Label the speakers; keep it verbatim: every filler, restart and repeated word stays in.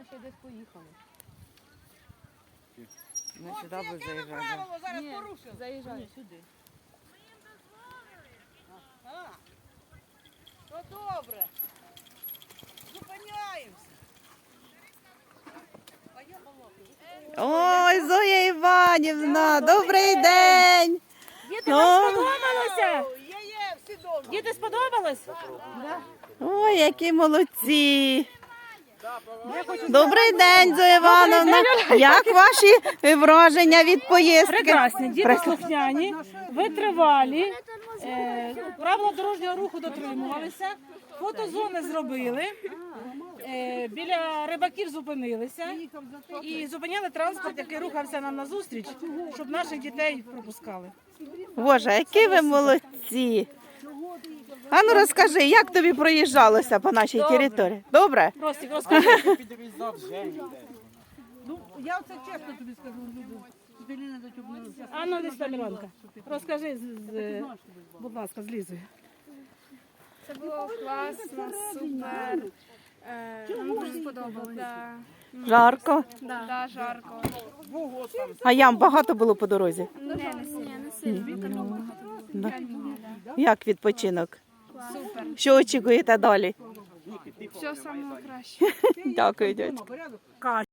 Speaker 1: ще десь поїхали.
Speaker 2: Ми сюди будемо заїжджати.
Speaker 3: Правило зараз
Speaker 1: Ні,
Speaker 3: порушили.
Speaker 1: заїжджай сюди.
Speaker 3: Ага. То добре. Зупиняємося. А я балакаю.
Speaker 2: Ой, Зоя Іванівна, добрий день!
Speaker 1: Діти,
Speaker 2: Ну.
Speaker 1: вам сподобалося?
Speaker 3: Є, є, всі дома.
Speaker 1: Діти, сподобалось?
Speaker 2: Ой, які молодці! Добрий день, Зоя Івановна! Як ваші враження від поїздки?
Speaker 1: Прекрасні, діти
Speaker 2: Прес-
Speaker 1: слухняні, витривалі, е, правила дорожнього руху дотримувалися, фотозони зробили, е, біля рибаків зупинилися і зупиняли транспорт, який рухався нам назустріч, щоб наших дітей пропускали.
Speaker 2: Боже, які ви молодці! А ну розкажи, як тобі проїжджалося по нашій
Speaker 1: Добре.
Speaker 2: території? Добре?
Speaker 1: Ростик, розкажи.
Speaker 3: Ну, я оце чесно тобі скажу, люди. Тобі не дотягнулися.
Speaker 1: Анна Листа Міланка, розкажи, з, з, будь ласка, з Лізою.
Speaker 4: Це було класно, супер. Е, Нам дуже сподобалося. Да.
Speaker 2: Жарко.
Speaker 4: Да, жарко.
Speaker 2: А ям багато було по дорозі?
Speaker 4: Не, не сильно. Не сильно.
Speaker 2: Да. Як відпочинок?
Speaker 4: Супер.
Speaker 2: Що очікуєте далі?
Speaker 4: Все самого краще.
Speaker 2: Дякую, дядь.